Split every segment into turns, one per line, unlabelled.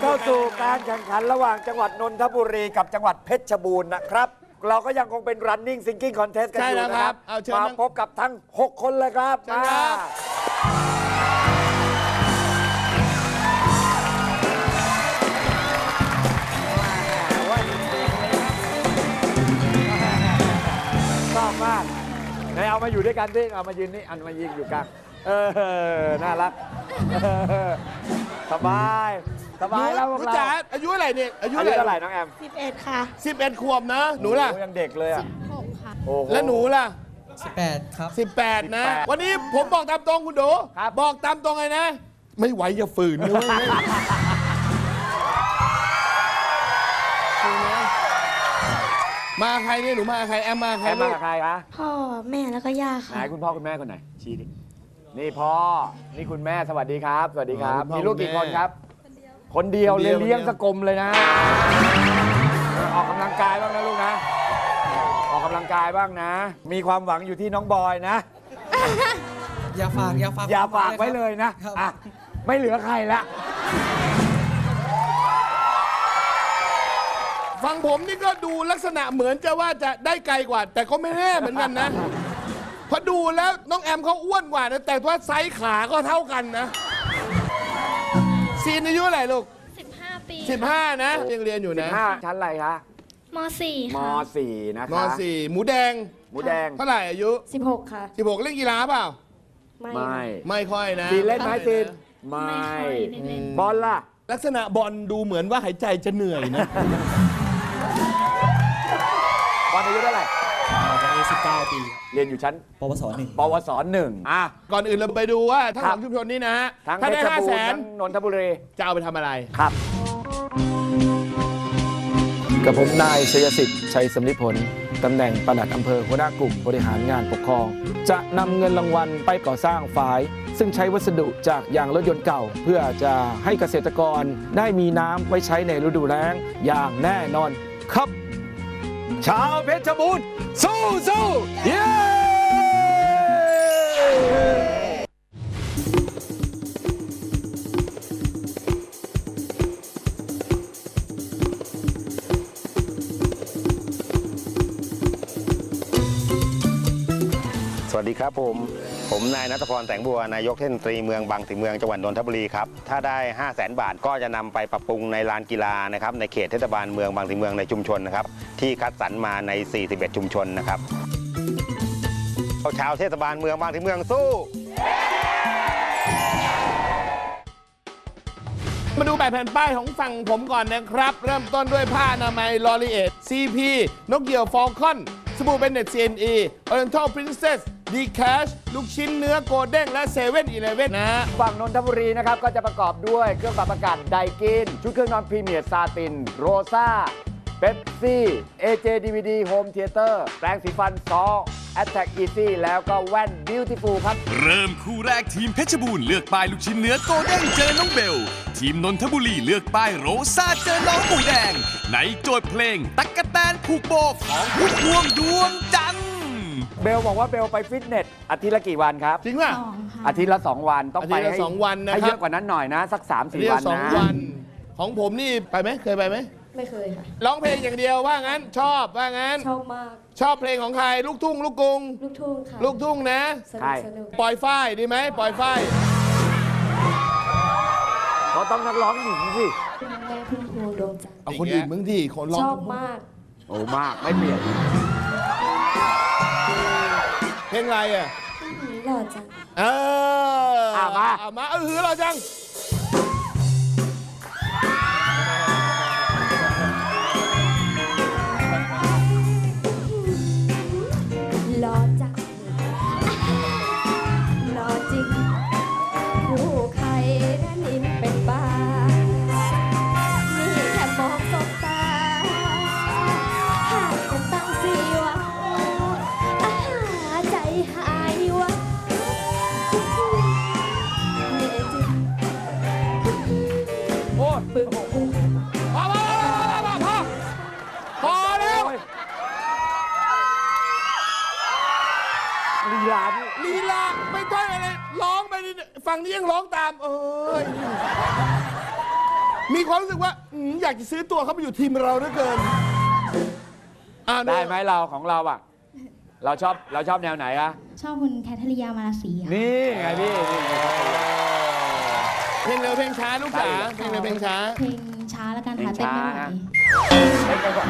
เข้าสู่การแข่งขันระหว่างจังหวัดนนทบุรีกับจังหวัดเพชรบูรณ์นะครับ เราก็ยังคงเป็น running singing contest กันอยู่นะครับมาพบกับทั้ง 6 คนเลยครับชอบมากไหนเอามาอยู่ด้วยกันดิเอามายืนนี่อันมายืนอยู่กลางน่ารักสบายแล้วพวกเรา
อายุอะไรเนี่ยอายุเ
ท่าไหร่น้องแอม
11 ค่ะ
11 ขวบนะหนูล่ะ
ยังเด็กเลยอ่ะ
16 ค่ะ
แล้วหนูล่ะ
18 ครับ
18นะวันนี้ผมบอกตามตรงคุณดูบอกตามตรงเลยนะไม่ไหวอย่าฝืนนะมาใครเนี่ยหนูมาใครแอมมาใคร
มาใครคะ
พ่อแม่แล้วก็ย่าค่ะ
ไหนคุณพ่อคุณแม่คนไหนชี้ดินี่พ่อนี่คุณแม่สวัสดีครับสวัสดีครับมีลูกกี่คนครับคนเดียวเลี้ยงสกลมเลยนะออกกำลังกายบ้างนะลูกนะออกกำลังกายบ้างนะมีความหวังอยู่ที่น้องบอยนะ
อย่าฝาก
ไว้เลยนะไม่เหลือใครละ
ฟังผมนี่ก็ดูลักษณะเหมือนจะว่าจะได้ไกลกว่าแต่ก็ไม่แน่เหมือนกันนะพอดูแล้วน้องแอมเขาอ้วนกว่านะแต่ว่าไซส์ขาก็เท่ากันนะซีนอายุอะไรลูก
15 ปี
15นะยังเรียนอยู่นะ
15ชั้นอะไรคะ
ม.4
ค่ะม.4 นะคะ
ม.4 หมูแดงเท่าไหร่อายุ
16 ค่ะ
16เล่นกีฬาเปล่า
ไม่
ค่อยนะ
ซีนเล่นไหมซีนไม่บอลล่ะ
ลักษณะบอลดูเหมือนว่าหายใจจะเหนื่อยนะ
บอลอายุเท่าไหร่
ตอนนี้19 ปี
เรียนอยู่ชั้น
ปวส1
ก่อนอื่นเราไปดูว่าทั้งสองชุมชนนี้นะฮะ
ถ้าได้500,000นนทบุรี
จะเอาไปทำอะไร
ครับ
กับผมนายชัยสิทธิ์ชัยสำลิผลตำแหน่งปลัดอำเภอหัวหน้ากลุ่มบริหารงานปกครองจะนำเงินรางวัลไปก่อสร้างฝายซึ่งใช้วัสดุจากยางรถยนต์เก่าเพื่อจะให้เกษตรกรได้มีน้ำไว้ใช้ในฤดูแล้งอย่างแน่นอนครับชาวเพชรบูรณ์สู้เย้
สวัสดีครับผมนายณัฐพรแสงบัวนายกเทศมนตรีเมืองบางสีเมืองจังหวัดนนทบุรีครับถ้าได้500,000 บาทก็จะนำไปปรับปรุงในลานกีฬานะครับในเขตเทศบาลเมืองบางสีเมืองในชุมชนนะครับที่คัดสรรมาใน41ชุมชนนะครับชาวเทศบาลเมืองบางสีเมืองสู้
มาดูแบบแผ่นป้ายของฝั่งผมก่อนนะครับเริ่มต้นด้วยผ้าอนามัยลอรีเอท CP นกเหยี่ยวฟอลคอนสบู่เบนเน็ต CNE Oriental Princess D-Cash ลูกชิ้นเนื้อโกลเด้งและ7-Eleven นะ
ฝั่งนนทบุรีนะครับก็จะประกอบด้วยเครื่องปรับอากาศไดกินชุดเครื่องนอนพรีเมียร์ซาตินโรซ่าเป๊ปซี่ AJ DVD Home Theater แปรงสีฟันซอ Attack Easy แล้วก็แว่น Beautiful ครับ
เริ่มคู่แรกทีมเพชรบูรณ์เลือกป้ายลูกชิ้นเนื้อโกลเด้งเจอน้องเบลทีมนนทบุรีเลือกป้ายโรซ่าเจอน้องหมูแดงในโจทย์เพลงตั๊กแตนผูกโบของพุ่มพวงดวงจันทร์
เบลบอกว่าเบลไปฟิตเนสอาทิตย์ละกี่วันครับ
จริงป่ะ
อาทิตย์ละ2 วันต้องไปให้
2 วันนะ
ให้เยอะกว่านั้นหน่อยนะสัก 3-4 วันนะ
2 วันของผมนี่ไปไหมเคยไปไหม
ไม่เคยค่ะ
ร้องเพลงอย่างเดียวว่างั้นชอบว่างั้น
ชอบมาก
ชอบเพลงของใครลูกทุ่งลูกกรุง
ลูกทุ่งค่ะ
ลูกทุ่งนะ
ใช่
ปล่อยฝ้ายดีไหมปล่อยฝ้าย
เขาต้องนักร้องหญิงสิ
แม่พุ่มพวงดวงจันทร์
เอาคนอื่นมึงที่คนร้อง
ชอบมาก
โอ้มากไม่เปลี่ยน
เพลงอะไรอ่ะ
หล่อจัง
มาหล่อจัง
หล่อจังหล่อจริงผู้ใครนั้นอินเป็นบ้านี่แค่มองสบตาหากจะตั้งสีว่าใจหายวะเนจิ
โอ้ปึ้งพอแล้วลีลาไม่ต้องอะไรร้องไปฝั่งนี้ยังร้องตามมีความรู้สึกว่าอยากจะซื้อตัวเขาไปอยู่ทีมเราเหลือเกิน
ได้ไหมเราของเราอ่ะ เราชอบแนวไหนอะ
ชอบคุณแคทเธอรียามาราศีค่ะ
นี่ไงพี่นี่
เพลงเร็วเพลงช้าลูกจ๋าเพลงเร็วเพลงช้า
เพลงช้าแล้วกันค่ะ
เพลง
เต้น
ช้า
ไม่ไหว
นะ เล่นไปก่อน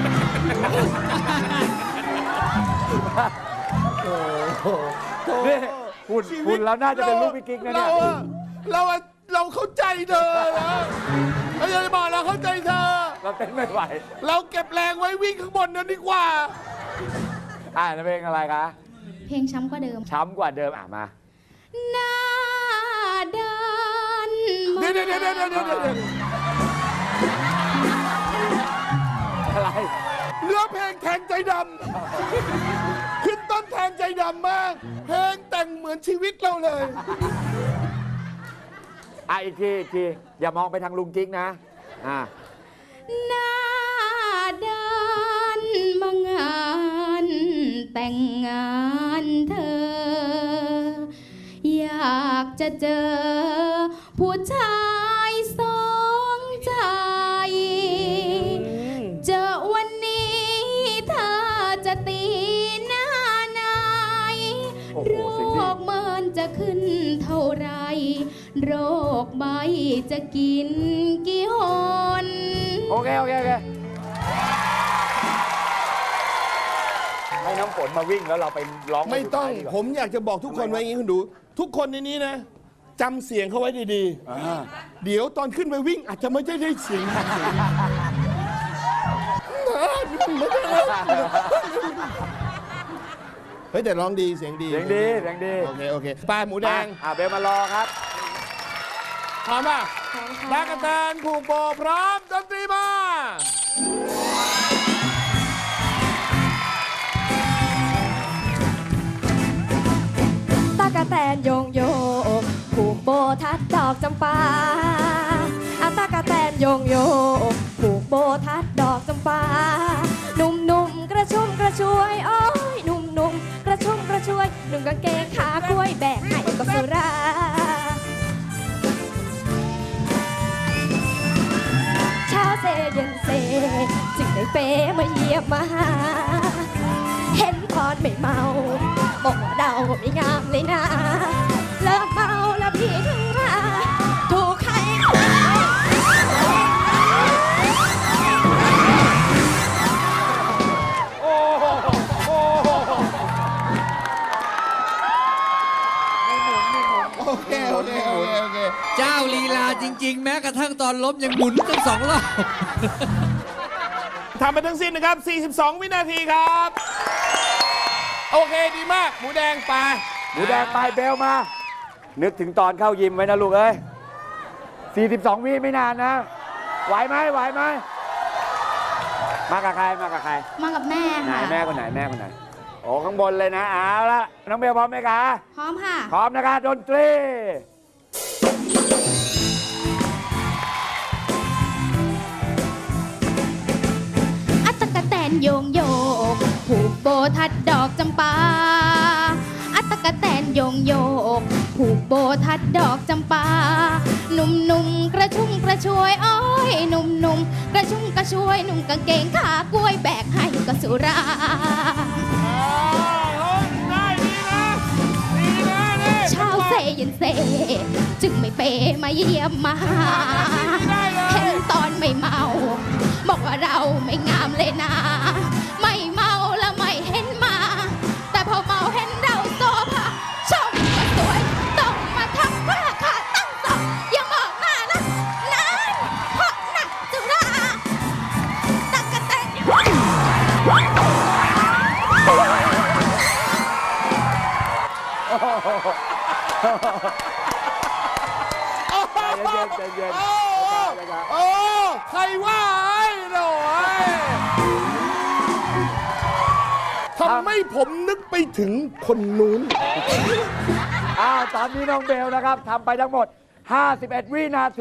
นี่คุณเราน่าจะเป็นลูกพี่กิ๊กนะเนี่ย
เราเข้าใจเธอนะเราจะบอกเราเข้าใจเธอ
เราเต้นไม่ไหว
เราเก็บแรงไว้วิ่งข้างบนนั้นดีกว่า
เพลงอะไรคะ
เพลงช้ำกว่าเดิม
ช้ำกว่าเดิมมา
หน้าด้าน
เดี๋ยว
อะไร
เนื้อเพลงแทงใจดำขึ้นต้นแทงใจดำมาก เพลงแต่งเหมือนชีวิตเราเลย
อีกที อย่ามองไปทางลุงกิ๊กนะ
หน้าด้านมางานแต่งงานเธอ อยากจะเจอผู้ชายสองใจ เจอวันนี้เธอจะตีหน้าไหน
โอ้โห
โร
เสียงดี
คเมินจะขึ้นเท่าไร โรคใบจะกินกี่หน
โอเค ให้น้ำฝนมาวิ่งแล้วเราไปร้อง
ไม่ต้อง
เพลสุดท้ายดีกว่า
ผมอยากจะบอกทุกคนไว้อย่างนี้คุณดู ทุกคนในนี้นะจำเสียงเขาไว้ดีๆ เดี๋ยวตอนขึ้นไปวิ่งอาจจะไม่ได้เสียงเฮ้ยแต่ร้องดีเสียงดี
เสียงดี
โอเคปลาหมูแดง
เบลมารอครับ
พร้อมป่ะตากแตนผูกโบพร้อมดนตรีมา
ตากะแตนโยงโยกผูกโบทัดดอกจำปาตากะแตนโยงโยกผูกโบทัดดอกจำปาหนุ่มๆกระชุ่มกระชวยโอ้ยหนุ่มๆกระชุ่มกระชวยหนุ่มกางเกงขากล้วยแบกให้กับสุราเช้าเซเย็นเซจึงได้เปมาเยี่ยมมาหาเห็นตอนไม่เมาบอกว่าเราไม่งามเลยนะเลิกเมาแล้วพี่ถึงมาถูกใคร
โอเค
เจ้าลีลาจริง ๆ แม้กระทั่งตอนล้มยังหมุนตั้ง2 รอบ
ทำไปทั้งสิ้นนะครับ 42 วินาทีครับ โอเคดีมาก หมูแดงไป
หมูแดงไปเบลมา นึกถึงตอนเข้ายิมไว้นะลูกเอ้ย 42 วิไม่นานนะ ไหวไหม มากับใคร
มากับแม่
ไหน
ค่ะ
แม่คนไหน โอ้ข้างบนเลยนะ เอาละน้องเบลพร้อมไหมคะ
พร้อมค่ะ
พร้อมนะคะดนตรี
ตะกะแตนโยงโยกผูกโบทัดดอกจำปาตะกะแตนโยงโยกผูกโบทัดดอกจำปาหนุ่มๆกระชุ่มกระชวยโอ้ยหนุ่มๆกระชุ่มกระชวยหนุ่มกางเกงขากล้วยแบกให้กับสุราเช้าเซเย็นเซจึงไม่เปมาเยี่ยมมาหาเห็นตอนไม่เมาบอกว่าเราไม่งามเลยนะไม่เมาแล้วไม่เห็นมาแต่พอเมาเห็นเราโซภาชมก็สวยต้องมาทักผ้าขาดตั้งสองอย่ามองหน้านะนั้นเพราะนักจุฬาตะกะแตน
ใจเย็น
โอ้ใครว่าไอ้หน่อยทำให้ผมนึกไปถึงคนนู้น
ตอนนี้น้องเบลนะครับทำไปทั้งหมด 51 วินาที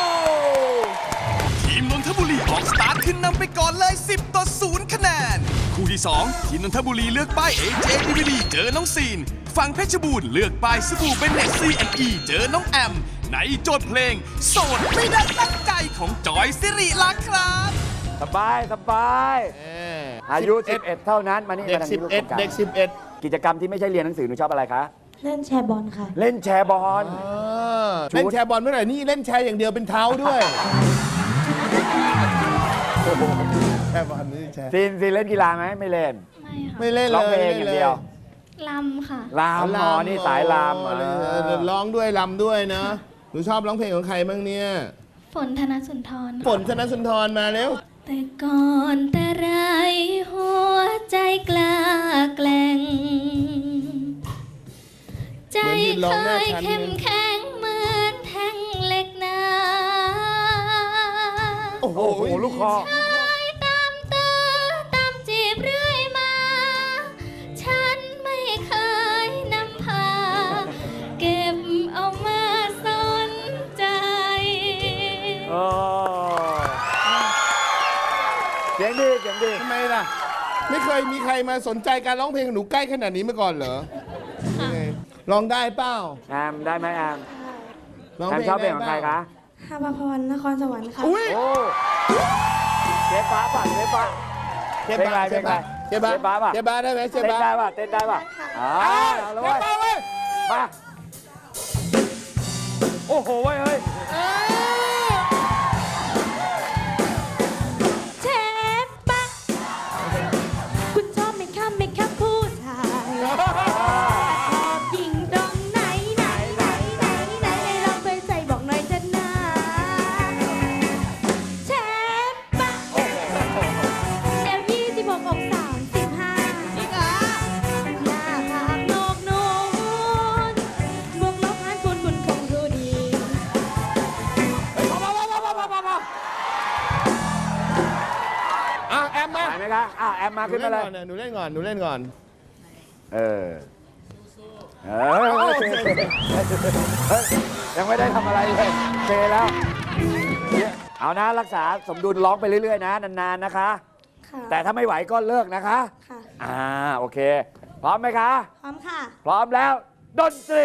ทีมนนทบุรีออกสตาร์ทขึ้นนำไปก่อนเลย 10-0 คะแนนคู่ที่ 2 ทีมนนทบุรีเลือกป้าย AJ DVD เจอน้องซีน ฝั่งเพชรบูรณ์เลือกป้ายสบู่เบนเนต C&E เจอน้องแอม ในโจทย์เพลงโสดไม่ได้ตั้งใจของจอยสิริลักษณ์ครับ
สบายสบายอายุ 11 เท่านั้นมานี่
เด็ก
มาทางนี้ลูกตรงกลาง
11 เด็ก 11
กิจกรรมที่ไม่ใช่เรียนหนังสือหนูชอบอะไรคะ
เล่นแชร์บอลค่ะ
เล่นแชร์บอล
เล่นแชร์บอลเมื่อไหร่นี่เล่นแชร์อย่างเดียวเป็นเท้าด้วยแชร์บอลนี่แชร์
ซีนเล่นกีฬาไหมไม่เล่น
ไม่เล่น
ร้อง
เล
เพล
ย
งอย่างเดียว
ลำค่ะ
ลามหมอนี่สายลาม
ร้องด้วยลำด้วยนะหนูชอบร้องเพลงของใครบ้างเนี่ย
ฝนธนสุนทร
ฝนธนสุนทรมาเร็ว
แต่ก่อนแต่ไรหัวใจกล้าแกล้งใจเคยเข้มแข็งเหมือนแท่งเหล็กหนา
โอ้โหลูกคอ
ตามตื้อตามจีบเรื่อยมา ฉันไม่เคยนำพา เก็บเอามาสนใจ
เสียงดีเสียงดี
ทำไมล่ะ ไม่เคยมีใครมาสนใจการร้องเพลงของหนูใกล้ขนาดนี้มาก่อนเหรอยังไงร้องได้เปล่า
แอมได้ไหมแอม
ร้อง
แอม
เพลง
ชอบเพลง
ได้
ของ
เป
ใคร
ล่า
คะ
ฮาภาพรนครสวรรค์ค่ะ
อุ้ย
โอ้เจ๊ฟ้าป่ะเจ๊ฟ้า
เชฟบา
เพลงอะไร
เชฟบา
เชฟบาป่ะ
เชฟบาได้ไหมเชฟ
เต้น
บา
ได้ป่ะเต้นได้ป่ะอ่า
เช
เอา
ฟ
แล้วเว้ย
บาเว้ย
มาโอ้โหเว้ยเฮ้ย
เชฟปะคุณชอบไหมคะผู้ชายชอบยิงตรงไหนลองไปใส่บอกหน่อยจะนะเชฟปะเอว26อก35อีกเหรอหน้าผากโหนกนูนบวกลบหารคูณคุณคงรู้ดี
อ่ะแอมมา
ไหวไหมคะแอมมาขึ้นมาเลย
หนูเล่นก่อนหนูเล่นก่อน
เออยังไม่ได้ทำอะไรเลยเซแล้ว เอานะรักษาสมดุลร้องไปเรื่อยๆนะนานๆนะคะ
ค่ะ
แต่ถ้าไม่ไหวก็เลิกนะคะ
ค่ะ
โอเค พร้อมไหมคะ
พร้อมค่ะ
พร้อมแล้ว ดนตรี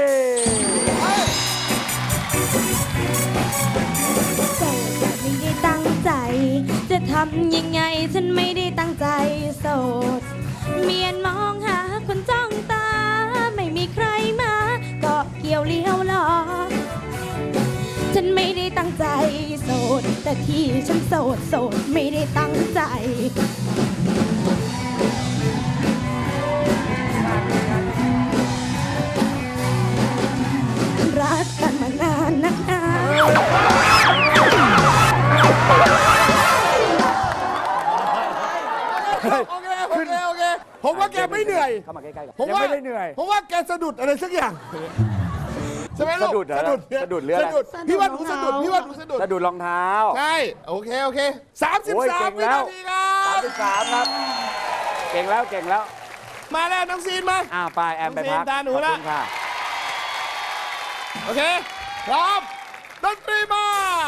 แต่ไม่ได้ตั้งใจ จะทำยังไงฉันไม่ได้ตั้งใจโสด เมียนมองหาคนจ้องตา ไม่มีใครมาเกาะเกี่ยวเลี้ยวล้อ ฉันไม่ได้ตั้งใจโสด แต่ที่ฉันโสดไม่ได้ตั้งใจ รักกันมานานนักหนา
โอเคผมว่าแกไม่เหนื่อย
เข้ามาใกล้ๆกัน
ผม
ยัง
ว่า
ไม่ได้เหนื่อย
ผมว่าแกสะดุดอะไรสักอย่างใช่ไหมลูก
สะดุดเหรอสะดุดหรืออะไร
พี่ว่าหนูสะดุดพี่ว่าหนูสะดุด
สะดุดรองเท้า
ใช่โอเค
โอ้ยเก่
33
ง
วิ
แล้ว
นาทีครับ
33ครับ เก่งแล้วเก่งแล้ว
มาแล้วน้องซีนมา
ไปแอมไปพัก
น้องซีนตาหนูละ
ขอบคุณค่ะ
โอเคพร้อมดนตรีมา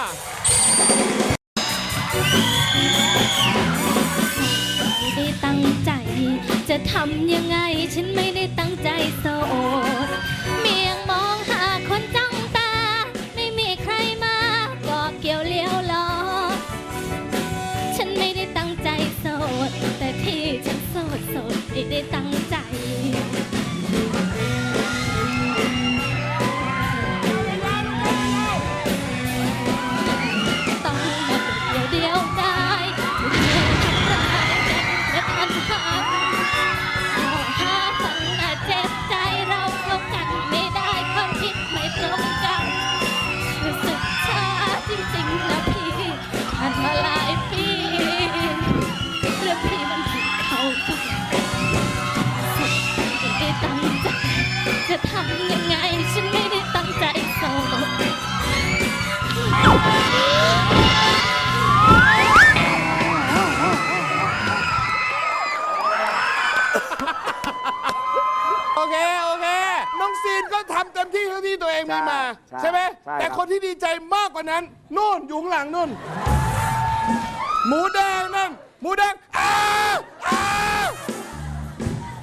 ไม่ได้ตั้งใจ จะทำยังไงฉันไม่ได้ตั้งใจโสด เมียงมองหาคนจ้องตา ไม่มีใครมาก็เกี่ยวเลี้ยวล้อ ฉันไม่ได้ตั้งใจโสด แต่ที่ฉันโสดไม่ได้ตั้งใจ ต้องมาเดียวได้ไม่เคยทำร้ายและพันหักหาฟังน่าเจ็บใจเราเข้ากันไม่ได้ความคิดไม่ตรงกันรู้สึกช้าจริงๆนะพี่ผ่านมาหลายปีเรื่องพี่มันผิดเขาทุกสุดไม่ได้ตั้งใจจะทำยังไงฉันไม่ได้ตั้งใจโสด
โอเคน้องซีนก็ทำเต็มที่เท่าที่ตัวเองมีมา
ใช่
ใช่ไหม
ใช่ครับ
แต่คนที่ดีใจมากกว่านั้นนู่นอยู่ข้างหลังนู่นหมูแดงนั่นหมูแดงอ้าว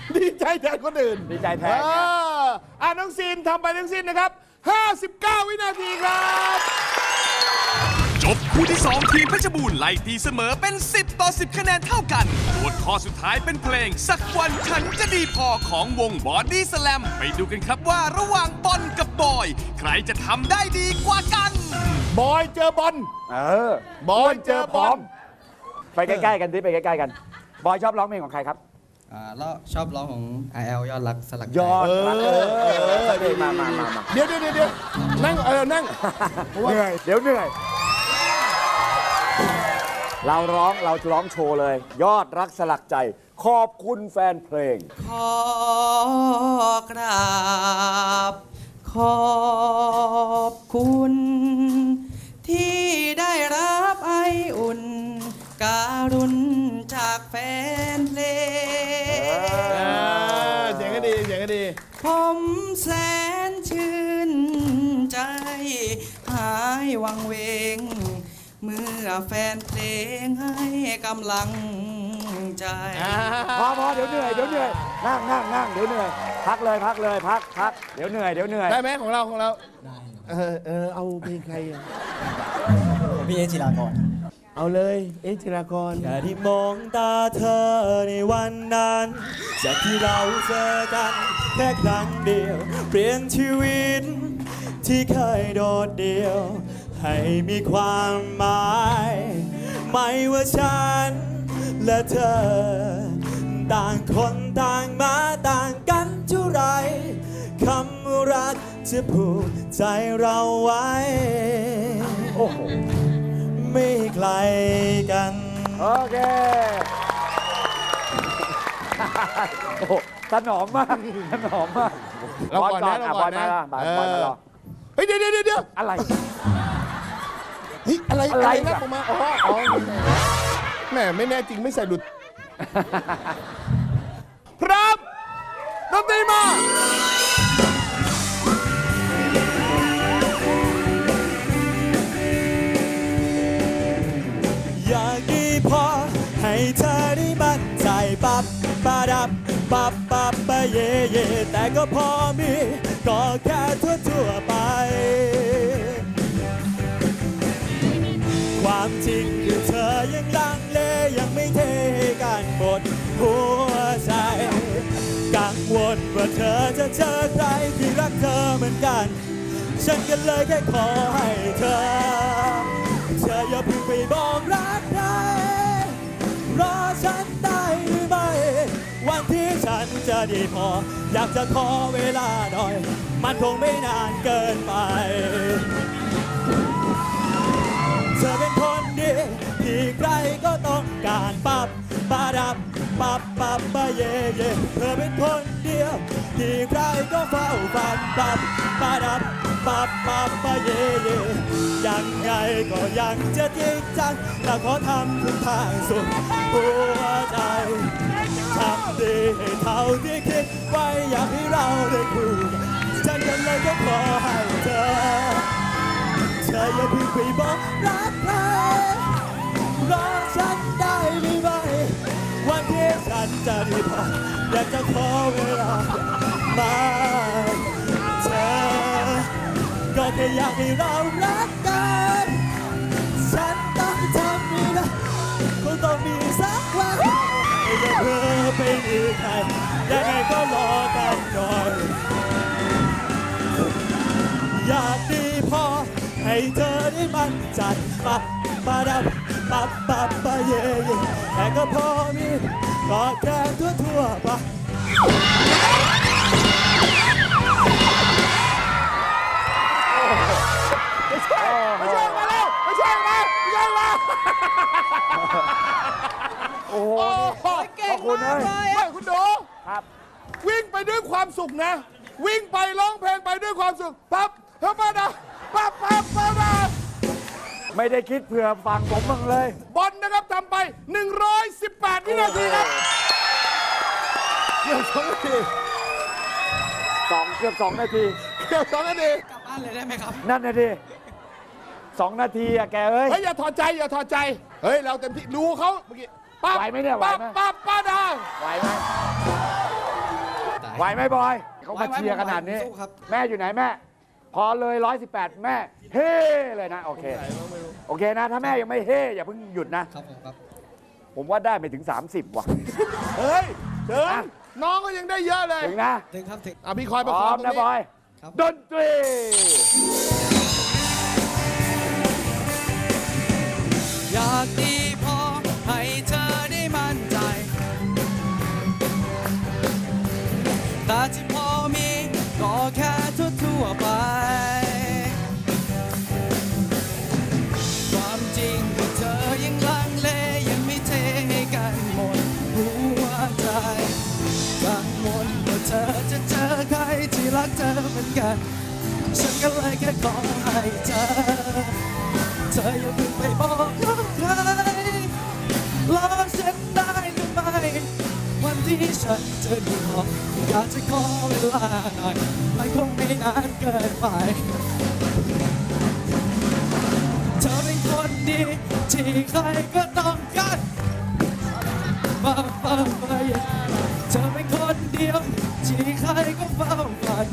ดีใจแทนคนอื่น
ดีใจแทนไง
น้องซีนทำไปทั้งสิ้นนะครับ 59 วินาทีครับ
จบคู่ที่ 2 ทีมเพชรบูรณ์ไล่ตีเสมอเป็น 10 ต่อ 10 คะแนนเท่ากันโจทย์ข้อสุดท้ายเป็นเพลงสักวันฉันจะดีพอของวงบอดี้สแลมไปดูกันครับว่าระหว่างบอลกับบอย ใครจะทำได้ดีกว่ากัน
บอยเจอบอล
บอยเจอพร้อม ไปใกล้ๆกันดิไปใกล้ๆกัน บอยชอบร้องเพลงของใครครับ
แล้วชอบร้องของ IL ยอดรักสลักใจ
ยอดรักมา
เดี๋ยวนั่งนั่ง
เหนื่อย เดี๋ยวเหนื่อย เราร้องโชว์เลย ยอดรักสลักใจ ขอบคุณแฟนเพลง
ขอกราบขอบคุณ ที่ได้รับไออุ่น การุณจากแฟนเพลง
เสียงก็ดี
ผมแสนชื่นใจ หายวังเวง เมื่อแฟนเพลงให้กำลังใจ
พอเดี๋ยวเหนื่อยนั่งเดี๋ยวเหนื่อย พักเลยพักเดี๋ยวเหนื่อย
ได้ไหมของเราได้เอาเพลงใครอ่ะ
พี่เอจิรากร
เอาเลยจิรากร
แค่ที่มองตาเธอในวันนั้น จากที่เราเจอกันแค่ครั้งเดียว เปลี่ยนชีวิตที่เคยโดดเดี่ยว ให้มีความหมาย ไม่ว่าฉันและเธอ ต่างคนต่างมาต่างกันเท่าไรคำว่ารักจะผูกใจเราไว้
โอ้โห
ไม่ไกลกัน
โอเค โอ้โหถนอมมาก
เราก่อนนะ
บอลมารอ
เฮ้ยเดี๋ยว
อะไร
เฮ้ยอะไร
อะไร
นะออกมาอ๋อแหมไม่แน่จริงไม่ใส่หลุด พร้อมดนตรีมา
อยากดีพอให้เธอได้มั่นใจปับปะดับปับปับปะเย่เย่แต่ก็พอมีก็แค่ทั่วไป ความจริงคือเธอยังลังเลยังไม่เทกันหมดหัวใจกังวลว่าเธอจะเจอใครที่รักเธอเหมือนกัน ฉันก็เลยแค่ขอให้เธออย่าเพิ่งไปบอกรักใครรอฉันได้หรือไม่วันที่ฉันจะดีพออยากจะขอเวลาหน่อยมันคงไม่นานเกินไปเธอเป็นคนดีที่ใครก็ต้องการปับปะดับปับปับปะเย่เย่เธอเป็นคนเดียวที่ใครก็เฝ้าฝันปับปะดับปับปับปะเย่เย่ยังไงก็ยังจะจริงจังและขอทำทุกทางสุดหัวใจทำดีให้เท่าที่คิดไว้อยากให้เราได้คู่กันฉันก็เลยก็ขอให้เธออย่าเพิ่งไปบอกรักใครรอฉันได้หรือไม่วันที่ฉันจะดีพออยากจะขอเวลามาเธอก็แค่อยากให้เรารักกันฉันต้องทำนี่นะคงต้องมีสักวันอย่าเพิ่งไปมีใครยังไงก็รอกันหน่อยอยากดีพอให้เธอได้มั่นใจปับปะดับปับปับปะเย่เย่แต่ก็พอมีก็แค่ทั่วไป
ไม่ใช่มา
โอ้โห ขอบคุณเลย
ไม่คุณดู
ครับ
วิ่งไปด้วยความสุขนะ วิ่งไปร้องเพลงไปด้วยความสุขปั๊บเฮ้ยมาดาปั๊บมา
ไม่ได้คิดเผื่อฟังผมบ้างเลย
บอลนะครับทำไป 118 วินาทีครับเกือบ2 นาที
เกือบ2 นาที
เกือบ2 นาที
กลับบ้านเลยได้ไหมครับ
นั่นนะดิ2 นาทีอะแกเอ้ย
เฮ้ยอย่าถอดใจเฮ้ยเราเต็มที่ดูเขาเมื่อกี้ปั๊บ
ไหวไหมเนี่ยไหวไหม
ปั๊บป้าดา
ไหวไหมไหวไหมบอยเขามาเชียร์ขนาดนี้
สู้ครับ
แม่อยู่ไหนแม่ พอเลย 118 แม่เฮ้เลยนะ โอเค โอเคนะ ถ้าแม่ยังไม่เฮ้อย่าเพิ่งหยุดนะ
ครับผมครับ
ผมว่าได้ไปถึง 30 ว่ะ
เฮ้ยถึง
อ่ะ
น้องก็ยังได้เยอะเลย
ถึงนะ
ถึงครับถึง
อ่ะพี่คอย
พ
ประค
ร้
อ
อง ม
ตรง
นะ
นี้
บอย
ครับ
ดนตรี
อยากดีพอให้เธอได้มั่นใจ แต่ที่พอมีก็แค่ทั่วๆไป ความจริงก็เธอยังลังเลยังไม่เทให้กันหมดหัวใจกังวลว่าเธอจะเจอใครที่รักเธอเหมือนกัน ฉันก็เลยแค่ขอให้เธออย่าเพิ่งไปบอกกับใครรอฉันได้หรือไม่วันที่ฉันจะดีพออยากจะขอเวลาหน่อยมันคงไม่นานเกินไปเธอเป็นคนดีที่ใครก็ต้องการเธอเป็นคนเดียวที่ใครก็เฝ้าฝัน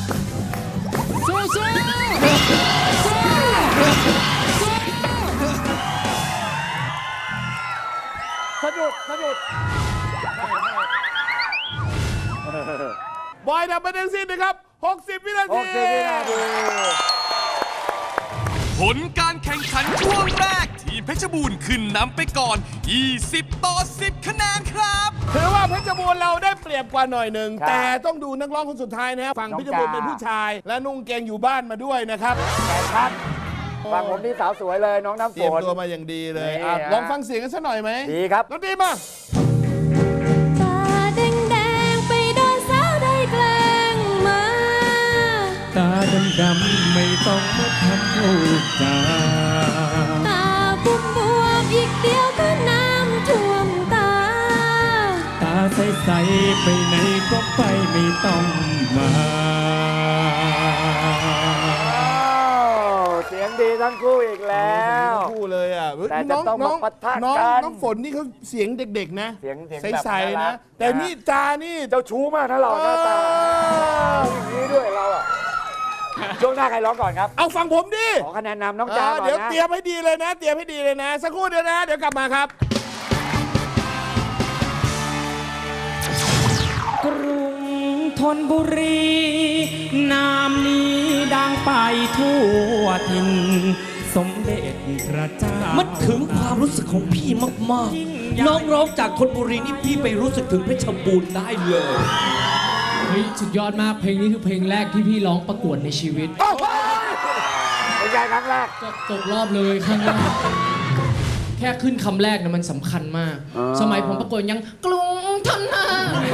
สะดุด สะดุด
บอยทำไปทั้งสิ้นนะครับ 60 วินาที
60 วินาที
ผลการแข่งขันช่วงแรก ทีมเพชรบูรณ์ขึ้นนำไปก่อน 20-10 คะแนนครับ
ถือว่าเพชรบูรณ์เราได้เปรียบกว่าหน่อยหนึ่ง
ครับ
แต่ต้องดูนักร้องคนสุดท้ายนะครับฝั่ง
น้อง
เพชรบูรณ์
กา
เป็นผู้ชาย และนุ่งเกงอยู่บ้านมาด้วยนะครับ
แข่งขันฝั่งผมนี่สาวสวยเลยน้องน้ำ
เต
ฝ
รียม
น
ตัวมาอย่างดีเลย
นี่
อ่ะ
ฮะ
ลองฟังเสียงกันสักหน่อยไหม
ดีครับ
ดนตรีมา
ตาแดงๆไปโดนสาวได้แกล้งมา
ตาดำๆไม่ต้องมาทำพูดจา
ตาบวมๆอีกเดียวก็น้ำท่วมตา
ตาใสๆไปไหนก็ไปไม่ต้องมา
เสียงดีทั้งคู่อีกแล้ว
ทั้งคู่เลยอ่ะ
แต่จะต้องมาปะทะ
น้อง
กัน
น้องฝนนี่เขาเสียงเด็กๆนะ
เสียงแบบ
ใส
น่ารั
ๆนะ
ก
แต่นี่จานี่
เจ้าชู้มากนะเราหน้าตาอย่างนี้ด้วยเราอ่ะ ช่วงหน้าใครร้องก่อนครับ
เอาฟังผมดิ
ขอคะแนนนำน้องจ้าก่อน
เดี๋ยว
นะ
เตรียมให้ดีเลยนะ เตรียมให้ดีเลยนะ สักครู่เดียวนะ เดี๋ยวกลับมาครับ
กรุงธนบุรี นามนี้ดังไปทั่วถิ่นสมเด็จพระเจ้า
มันถึงความรู้สึกของพี่มากๆ น้องร้องจากธนบุรีนี่พี่ไปรู้สึกถึงเพชรบูรณ์ได้เลย
เฮ้ยสุดยอดมากเพลงนี้คือเพลงแรกที่พี่ร้องประกวดในชีวิต
เป็นไงครั้งแรก
ก็ตกรอบเลยครั้งแรกแค่ขึ้นคำแรกนะมันสำคัญมาก สมัยผมประกวดยังกรุงทนนา